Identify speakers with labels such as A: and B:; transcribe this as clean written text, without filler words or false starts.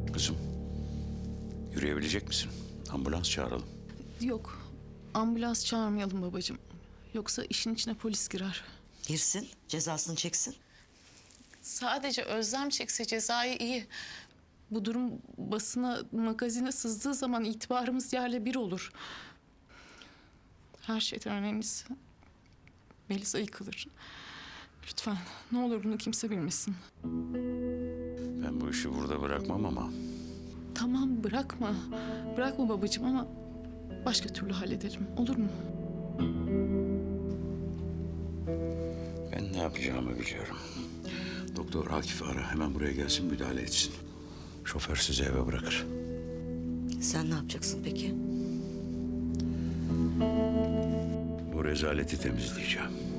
A: Kızım, yürüyebilecek misin? Ambulans çağıralım.
B: Yok, ambulans çağırmayalım babacığım. Yoksa işin içine polis girer.
C: Girsin, cezasını çeksin.
B: Sadece Özlem çekse cezayı iyi. Bu durum basına, magazine sızdığı zaman itibarımız yerle bir olur. Her şeyden önemlisi Melisa yıkılır. Lütfen ne olur bunu kimse bilmesin.
A: Ben bu işi burada bırakmam ama
B: Tamam bırakma. Bırakma babacığım ama başka türlü halledelim. Olur mu?
A: ben ne yapacağımı biliyorum. Doktor Akif'i ara, hemen buraya gelsin, müdahale etsin. Şoför sizi eve bırakır.
C: Sen ne yapacaksın peki?
A: Bu rezaleti temizleyeceğim.